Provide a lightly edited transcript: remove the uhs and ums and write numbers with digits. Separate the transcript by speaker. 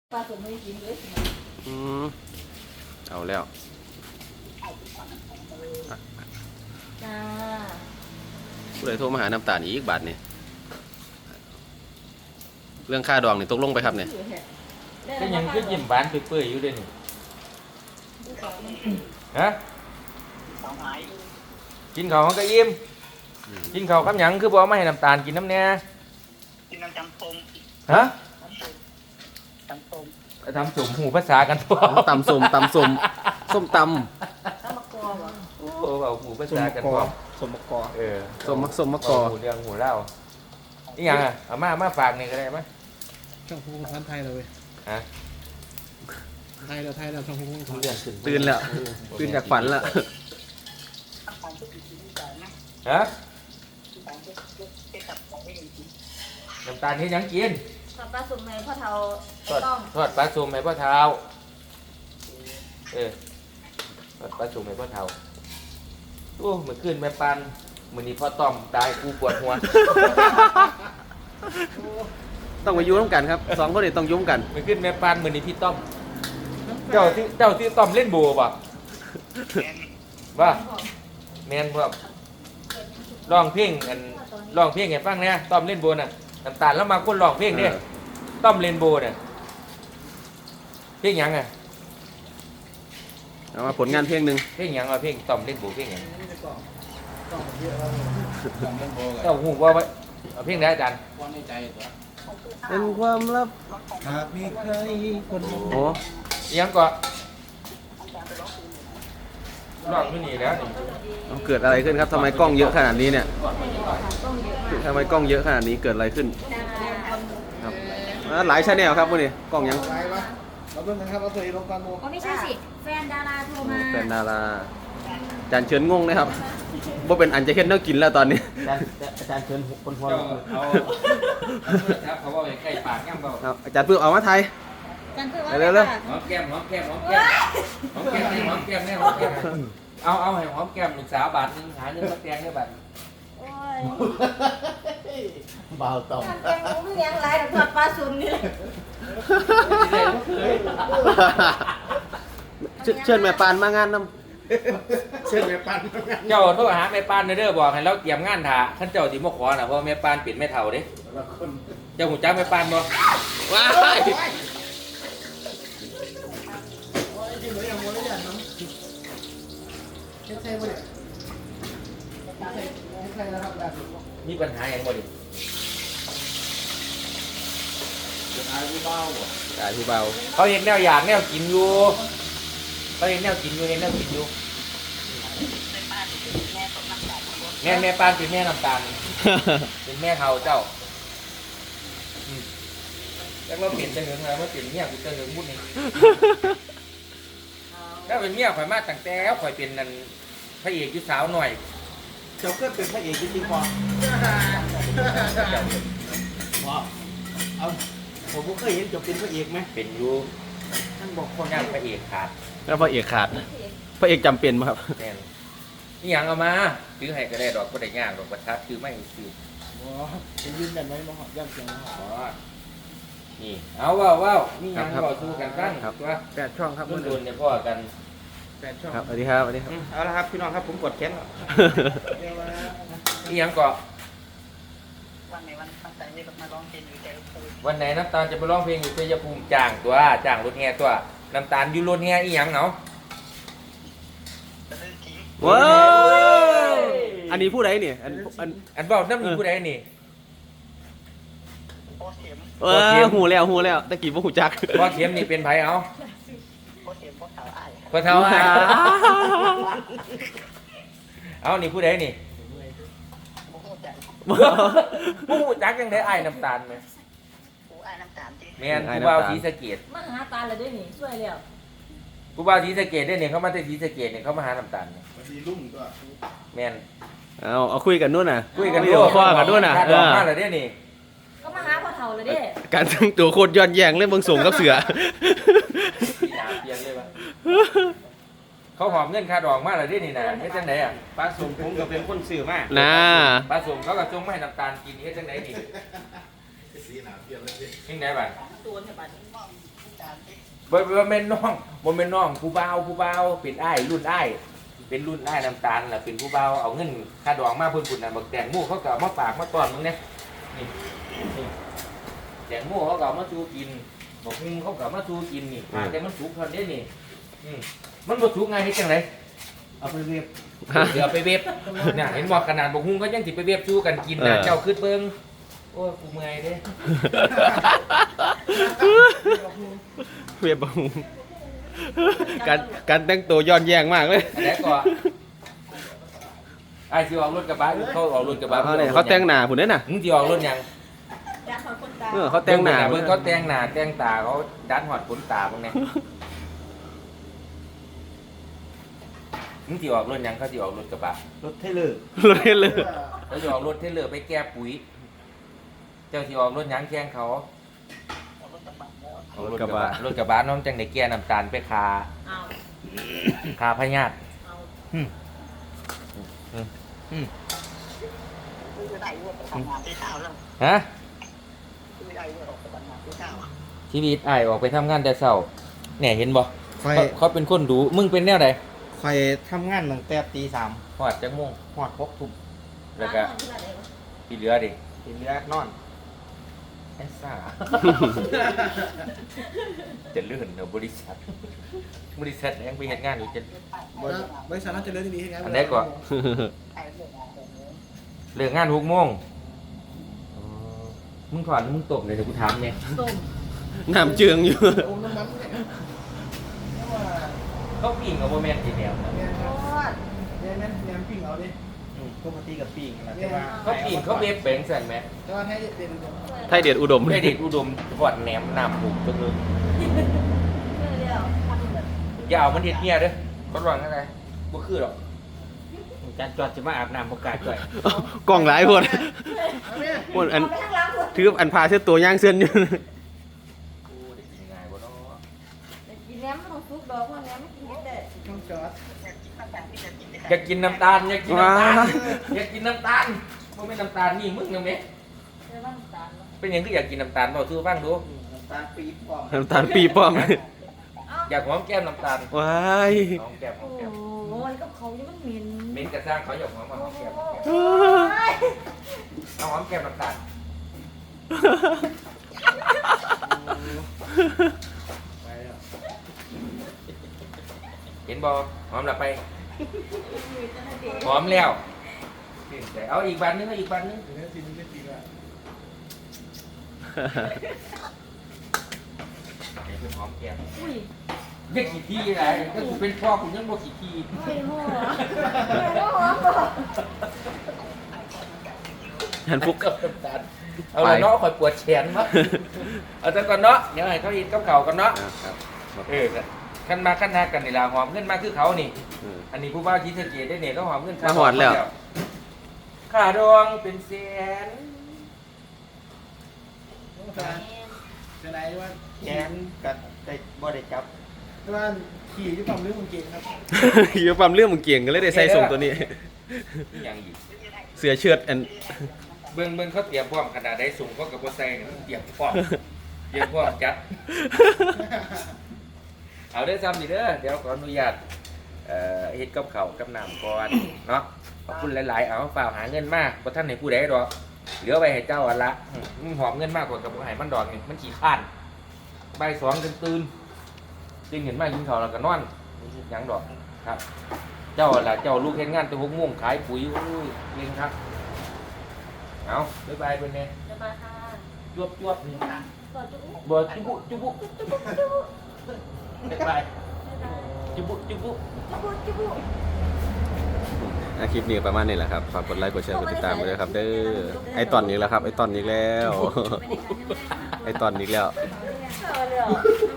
Speaker 1: ปลาสมไม่กินเลย
Speaker 2: อืมเอาแล้ว
Speaker 1: จ้า
Speaker 2: ผู้ใดโทรมาหาน้ำตาลอีกบาทนี่เรื่องค่าดองนี่ตกลงไปครับเนี่ย
Speaker 3: ก็ยังคือยิ้มหวานเปื่อยๆอยู่เด้นี่ฮะกินข้าวมันก็อิ่มกินข้าวกับหยังคือบ่เอามาให้น้ำตาลกินน้ำแน่
Speaker 4: กินน้ำจำปง
Speaker 3: ฮะ
Speaker 4: จำปง
Speaker 3: ทำสมหูภาษากันตัว
Speaker 2: ตำส้มส้มต
Speaker 1: ต้องมากรอเหรอ
Speaker 3: โอ้เอาหูภาษากันตัว
Speaker 2: ำส้มมะกอ
Speaker 3: ส้มมะกอหูเรื่องหูเล่าอีหยังอ่ะเอามาฝากนี่ก็ได้มั้ย
Speaker 5: ช่องพูดพันไทยเราเว้ย
Speaker 3: ฮะ
Speaker 5: ไทยเราช่องพูดพัน
Speaker 2: ตื่นแล้วตื่นจากฝันแล้ว
Speaker 3: ฮะน้ำตาลที่ยังกิน
Speaker 1: ปลาสมในพ่อเทา
Speaker 3: ทอด
Speaker 1: ต้อง
Speaker 3: ทอดปลาสุ่มให้พ่อเท้าทอดปลาสุ่มให้พ่อเท้าโอ้เหมือนขึ้นแม่ปันมื้อนี้พ่อต้อมตายกูปวดหัว
Speaker 2: ต้องไปยุ่งกันครับสองคนนี้ต้องยุ่งกัน
Speaker 3: เหมือนขึ้นแม่ปันมื้อนี้พี่ต้อมเจ้าที่ต้อมเล่นโบป่ะว่าแมนครับร้องเพลงให้ฟังเนี่ยต้อมเล่นโบน่ะน้ำตาลแล้วมาคนร้องเพลงเนี่ยต้อมเล่นโบเนี่ยเพลงหยังอ่ะ
Speaker 2: เอามาผลงานเพลงหนึ่ง
Speaker 3: เพลงหยังอ่ะเพลงต้อมเล่นโบเพลงหยังเจ้าหูว่าไว้เอาเพลงไหนอาจารย์
Speaker 5: ความในใจตัว
Speaker 2: เป็นความลับ
Speaker 5: หากมีใครคนมอง
Speaker 2: โอ้
Speaker 3: อิหยังก็ร้องอยู่นี่แล้วนี่
Speaker 2: เอาเกิดอะไรขึ้นครับทำไมกล้องเยอะขนาดนี้เนี่ย
Speaker 1: ต้องเยอะมาก
Speaker 2: ทำไมกล้องเยอะขนาดนี้เกิดอะไรขึ้นครับหลายชาแนลครับพวกนี้กล้องยัง
Speaker 5: ไรวะเราเพิ่งนะครับเอาตัวเองลงกันโม
Speaker 1: อ๋อไม่ใช่สิแฟนดาราโทรมา
Speaker 2: เป็นดาราจานเชิญงงนะครับว่าเป็นอันจะเห็นเนื้อกินแล้วตอนนี้
Speaker 3: อาจารย์เชิญคนพอเอาครับเขาบอกใกล้ปากแก้มเบา
Speaker 2: เอาอาจารย์เพิ่งเอามาไทย
Speaker 1: กันเพื่อว่า
Speaker 2: เร็ว
Speaker 3: หอมแก้มหอมแก้มหอมแก้มหอมแก้มนี่หอมแก้มนี่หอมแก้มเอาให้หอมแก้มลูกสาวบาทนึงหาเงินมาแตงได้บาท
Speaker 1: โอ้ย
Speaker 5: เบาต่อม
Speaker 1: ทำแกงหมูพี่เลี้ยงไรแต่ทอดปลาสมนี่
Speaker 2: เชิญแม่ปานมางานน้
Speaker 5: เช่นแม่ปัน
Speaker 3: เจ้าโทรหาแม่ปานเด้อบอกให้เราเตรียมงานถ่าท่านเจ้าที่มาขอน่ะเพราะแม่ปานปิดแม่เฒ่าเด้
Speaker 5: ละคน
Speaker 3: เจ้าหูจักแม่ปานบ่
Speaker 2: ำว้าย
Speaker 5: จริงหรือยังโมได้ยังมั้งใช่ไหมเนี่ยใช่แล้วครับแบบ
Speaker 3: มีปัญหาหยังบ่ดิ
Speaker 5: จะตายไม่เบา
Speaker 2: จ่ายพี่เบา
Speaker 3: เขาเห็นแนวอยากแนวกินอยู่เขาเห็นแนวกินอยู่เห็นแนวกินอยู่แม่ปานเป็นแม่น้ำตาลเป็นแม่เฒ่าเจ้าแล้วเราเปลี่ยนจะเหลืองอะไรมาเปลี่ยนเมียกูจะเหลืองมุดนี่ถ้าเป็นเมียข่อยมาตั้งแต่ข่อยเป็นนั่นพระเอกอยู่สาวหน่อย
Speaker 5: เจ้าก็เป็นพระเอกจริงๆพอว้าวเอาผมก็เคยเห็นจบเป็นพระเอกไหม
Speaker 3: เป็นอยู่ท่านบอกคนย่างพระเอกขาด
Speaker 2: แล้วพระเอกขาดพระเอกจำเป็นไหมครับ
Speaker 3: แน่นนี่ยังเอามาซื้อให้ก็ได้ดอกก็ได้ยากดอกประทัดคือไม่ซื้อ
Speaker 5: ว้าวเป็นยืนยันไหมน้องหอมย่ำเสียงน้องหอม
Speaker 3: อ๋อนี่เอาว้าวนี่ยังบอกสู้กันตั้งตัว
Speaker 2: 8 ช่องครับ
Speaker 3: รุ่นโดนเนี่ยพ่อกัน
Speaker 5: 8 ช่อง
Speaker 2: ครับสวัสดีครับสวัสดีครับ
Speaker 3: เอาละครับพี่น้องครับผมกดแขน
Speaker 5: เรียกว่า
Speaker 3: นี่ยังเกาะ
Speaker 4: วันไหนวันตั้งใจนี่ก็มาร้องเพลงอยู่แต่โควิด
Speaker 3: วันไหนน้ำตาลจะไปร้องเพลงอยู่ชัยภูมิจ้างตัวจ้างรถแห่ตัวน้ำตาลอยู่รถแห่อีหยังเนาะ
Speaker 4: จะเลิกทิ้ง
Speaker 2: ว้าวอันนี้ผู้ใดเนี่ย
Speaker 3: อันเบาน้ำมีผู้ใดนี่
Speaker 4: โคเข็ม
Speaker 2: หูแล้วตะกี้ว่าหูจัก
Speaker 3: พ่อเข็มนี่เป็นไผเอา
Speaker 4: โคเข็มโคสาวอ้าย
Speaker 3: พ่อเท้าอ่ะเอานี่ผู้ใดนี่
Speaker 4: โมโหใจ
Speaker 3: ผู้จักยังได้ไอ้ายน้ำตาลไหม
Speaker 4: กูอ้ายน้ำตาลจี
Speaker 3: แม่นผู้บ่าวศรีสะเกษ
Speaker 1: มาหาตาเลยด้วยนี่ช่วยแล้ว
Speaker 3: ผู้บ่าวศรีสะเกษได้เนี่ยเขามาที่ศรีสะเกษเนี่ยเขามาหาน้ำตาลเนี่ย
Speaker 5: สีลุ่มก็
Speaker 3: แม่น
Speaker 2: เอาคุยกันนู่นน่ะ
Speaker 3: คุยกัน
Speaker 2: วิดีโอคอลกันนู่นน่ะ
Speaker 3: ค่าดอกมาแล้วเนี่ยนี่
Speaker 1: ก็มาหาพ่อเทาเลยเด้
Speaker 2: การทั้งตัวโคตรย้อนแย้งเลยเบิ่งส่งกับเสือ
Speaker 3: พี่ดาวเพียงเลยปะเขาหอมเงินค่าดอกมาแล้วเนี่ยนี่นะเฮ็ดจังไหนอ่ะ
Speaker 5: ปลาสมผมก็เป็นคนสื่อมาก
Speaker 2: น่า
Speaker 3: ปลาสมเขาก็จงไม่ให้น้ำตาลกินเฮ็ดจังไหนนี่
Speaker 5: สีหนาเปลี่ยนเลย
Speaker 3: ยังไงบ้าง
Speaker 1: ตัวเนี่ยบัด
Speaker 4: มองใจ
Speaker 3: บ่แม่นน้องบ่แม่นน้องผู้บ่าวเป็นอ้ายรุ่นอ้ายเป็นรุ่นอ้ายน้ำตาลล่ะเป็นผู้บ่าวเอาเงินค่าดองมาเพิ่นพุ่นน่ะบักแตงโมเขาก็เอามาฝากมาต้อนมึงเนี่ยนี่แตงโมเขาก็เอามาสู่กินบักฮุงเขาก็เอามาสู่กินนี่แต่มันสุกเท่านี้นี่มันบ่สุกไงเฮ็ดจังได๋
Speaker 5: เอาไปเรียบ
Speaker 3: เดี๋ยวไปเว็บเนี่ยเห็นบอกขนาดบักฮุงก็ยังสิไปเว็บสู้กันกินนะเจ้าขึ้นเบิ่งโอ้ยกูเมื่อยเด้
Speaker 2: เวียบบังการแต่งตัวย้อนแย้งมากเลย
Speaker 3: อันไหนก่อนไอ้ที่ออกรถกระบะเขาออกรถกระบะ
Speaker 2: เขาแต่งหน้าพุ่นเด้น่ะ
Speaker 3: มึงที่ออกรถยัง
Speaker 1: อยากขอคนตา
Speaker 2: เขาแต่งหน้า
Speaker 3: เบิ่งเขาแต่งหน้าแต่งตาเขาดันหอดขนตาพวกนี้มึงที่ออกรถยังเขาที่ออกรถกระบะ
Speaker 5: รถเทเลอร์
Speaker 2: เลยเลย
Speaker 3: เขาที่ออกรถเทเลอร์ไปแก้ปุ๋ยเจ้าที่ออกรถยังแข่งเขาออกรถกระบะน้องจังได้แก้น้ำตาลไปคา
Speaker 1: เอา
Speaker 3: คาพญาต
Speaker 1: เอา
Speaker 4: คือได้ว่าไปทำงานที่เช้าแล้ว
Speaker 3: ฮะ
Speaker 4: คือได้ว่าออกไปทำงานที่เช้า
Speaker 3: ชีวิตอ้ายออกไปทำงานแต่เช้าเนี่ยเห็นบ่
Speaker 5: คอย
Speaker 3: เขาเป็นคนดูมึงเป็นแนวใด
Speaker 5: คอยทำงานตั้งแต่ตี 3
Speaker 3: ฮอดจังโมง
Speaker 5: หอด6 ทุ่ม
Speaker 3: แล้วก็ที่เหลือดิ
Speaker 5: ทีเหลือนอน
Speaker 3: แอสซ่า จะเลื่อนเนอะบริษัทยังไปเฮ็ดงานอยู่จะ
Speaker 6: บริษัทน่าจะเลื่อนที่นี่ให้ไง
Speaker 3: อันใดก่อน
Speaker 4: ใช้เรื่องงานแบบนี้
Speaker 3: เลิกงาน6 โมงมึงถอนมึงตบเลยเดี๋ยวกูถามเนี่ย
Speaker 1: ส้ม
Speaker 2: น้ำเจืองอยู่
Speaker 6: โอ้น้ำมันเนี่ยเพราะว่า
Speaker 3: เขาปิ่งกับโมเมนต์ทีเดียวนะ
Speaker 6: เนี่ย
Speaker 1: โคตร
Speaker 6: เนี่ยแนมปิ้งเอาดิ
Speaker 5: ปกติกับปีกนะแต่ว่า
Speaker 3: เขาปิ่งเขาเว็บแบ่งสั่นไหม
Speaker 6: แต่ว่าให้เป็น
Speaker 2: ไทยเด็ดอุดม
Speaker 3: ได้เด็กอุดมทอดแหนมน้ำผูกจังเลย
Speaker 1: เดี๋ยว
Speaker 3: อย่าเอามันเด็ดเหี้ยเด้อเขาวางอะไรบ่คือหรอก
Speaker 5: จานจอดจะมาอาบน้ำบกล้าจ่อย
Speaker 2: กล่องหลายคนคนอัน
Speaker 1: เอาไปข้างหล่างคน
Speaker 2: ถืออันพาเสื้อตัวย่างเส้นอยู่
Speaker 3: โอ้ได้กินยังไงบ่เนาะ
Speaker 1: กินแหนมไม่ต้องซุกดอกเพราะแหนมไม่กินได้
Speaker 6: ต้องจอด
Speaker 3: อยากกินน้ำตาลอยากกินน้ำตาลอยากกินน้ำตาลบ่แม่นน้ำตาลนี่มึงนะแม่
Speaker 1: เดี๋ยวบ้านตาล
Speaker 3: เป็นหยังคืออยากกินน้ำตาลบ่สู้ฟังดู
Speaker 6: น้ำตาลปี๊บพร้อม
Speaker 2: น้ำตาลปีป้อม
Speaker 3: อยากหอมแก้มน้ำตาล
Speaker 2: ว้าย
Speaker 3: หอมแก้มหอ
Speaker 1: โอ้
Speaker 3: มแก้ม
Speaker 1: โหมันกับเขายังมันเหม็น
Speaker 3: เม้นกระซ้างเขาอยากหอมมาหอมแก้มเอาหอมแก้มน้ำตาล
Speaker 6: ไปแล้ว
Speaker 3: เห็นบ่หอมละไปหอมแล้วเอาอีกบันนึงเอาอีกบันนึง
Speaker 6: เดี๋ยวนี้ซีนไม่ปีละ
Speaker 3: เดี๋ยวเป็นหอมแก้ม
Speaker 1: อุ้ย
Speaker 3: เรียกกี่ทีอะไรก็คือเป็นพ่อคุณยังบ่กี่ที
Speaker 1: ไม่หัวไม่หัวบ่
Speaker 2: หันฟุก
Speaker 3: กับน้ำตาลเอาละเนาะคอยปวดแขนมั้งเอาจังก่อนเนาะเดี๋ยวให้เขาอินกับเขากันเนาะ
Speaker 2: ครับ
Speaker 3: ขั้นมาขั้นหากันนี่ล่ะหอมเงินมาคือเขานี่ อันนี้ผู้บ่าวคิดสะเกตได้เนี่ยก็หอมเงิน
Speaker 2: มาหอดแล้ว
Speaker 3: ค่าดองเป็นแสน
Speaker 6: ต้องการจะได้ว่า
Speaker 5: แขนกับได้บ่ได้จับ
Speaker 6: แต่ว่าขี่ที่ความเรื่องมันเก่งครับ
Speaker 2: อยู่ปั๊มเรื่องมึงเก่งก็เลยได้ใส่ส่งตัวนี้
Speaker 3: นี่ยังอีก
Speaker 2: เสือเชือดอัน
Speaker 3: เบิ่งเขาเตรียมพร้อมขนาดได้สูงเขากับบ่ใส่เนี่ยมันเตรียมพร้อมจัด เอาเด้อซ้ำนี่เด้อเดี๋ยวขออนุญาตเฮ็ดกับข้าวกับน้ำก่อนเนาะขอบคุณหลายๆเอาฝากหาเงินมาบ่ทันให้ผู้ใดดอกเหลือไว้ให้เจ้าอันละมึงหอมเงินมากกว่ากับบ่ให้มันดอกนี่มันขี้ข้านบ่าย2จนตื่นจึงเห็นมากินข้าวแล้วก็นอนหยังดอกครับ เจ้าอันละเจ้าลูกเฮ็ดงานแต่6 โมงขายปุ๋ยอุ้ยเก่งครับเอาบ๊ายบายเพิ่นแน่
Speaker 1: จะมาค่ะ
Speaker 3: จวบนี่
Speaker 1: ก่อนจุ๊บ
Speaker 3: บ่จุบุบ๊ายบายจุบุ
Speaker 1: จุ๊บจุ๊บ
Speaker 2: คลิปนี้ประมาณนี้แหละครับ ฝากกดไลค์ กดแชร์ กดติดตามไปด้วยครับ เด้อ ไอตอนนี้แล้วครับ ไอตอนนี้แล้ว ไอตอนนี้แล้ว
Speaker 1: เอาเลยเหรอ